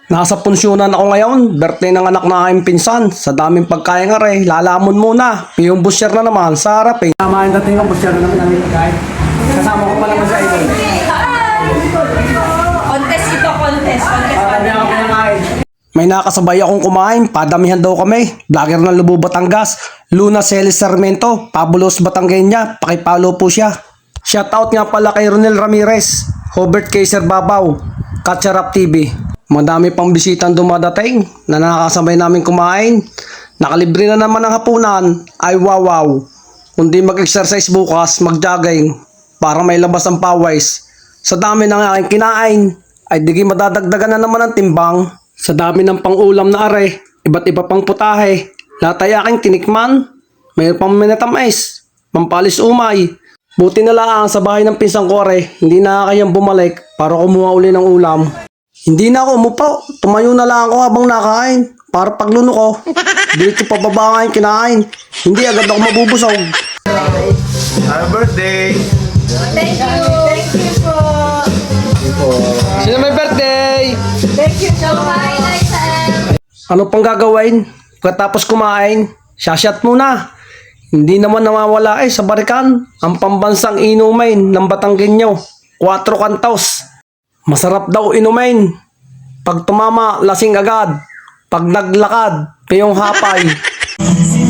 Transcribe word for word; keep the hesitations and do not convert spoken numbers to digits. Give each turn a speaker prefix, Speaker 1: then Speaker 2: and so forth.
Speaker 1: Nasa punsyonan ako ngayon, birthday ng anak na aking pinsan. Sa daming pagkain nga rin, lalamon muna. Yung busyer na naman, sa harap eh. Tama yung dating ng busyer na naman namin pagkain. Kasama ko pa naman sa idol.
Speaker 2: Contest ito, contest. Contest pa rin.
Speaker 1: May nakasabay akong kumain, padamihan daw kami. Vlogger ng Lubo, Batangas, Luna Celis Sarmiento, Pabulos Batangueña, pakipalo po siya. Shoutout nga pala kay Ronel Ramirez, Hobert Kaiser Babaw, Katcharap T V. Madami pang bisitang dumadating na nakakasabay namin kumain. Nakalibre na naman ang hapunan. Ay wow wow. Kundi mag-exercise bukas, mag-jogging para may labas ang pawis. Sa dami ng aking kinain, ay digi madadagdagan na naman ang timbang. Sa dami ng pang-ulam na are, iba't iba pang putahe. Lahat ay aking tinikman. Mayroon pang minatamis, pampalis umay. Buti na lang sa bahay ng pinsang ko are, hindi na kayang bumalik para kumuha uli ng ulam. Hindi na ako umupo, tumayo na lang ako habang nakain. Para pagluno ko, dito pababa nga yung kinain. Hindi agad ako mabubusog.
Speaker 3: Happy birthday!
Speaker 2: Thank you. Thank you po.
Speaker 1: Sino may birthday?
Speaker 2: Thank you po. Bye, Liza.
Speaker 1: Ano pang gagawin? Pagkatapos kumain, shashat muna. Hindi naman nawawala eh sa barikan ang pambansang inumain ng Batanggenyo, Cuatro Cantos. Masarap daw inumain. Pag tumama, lasing agad. Pag naglakad, piyong hapay.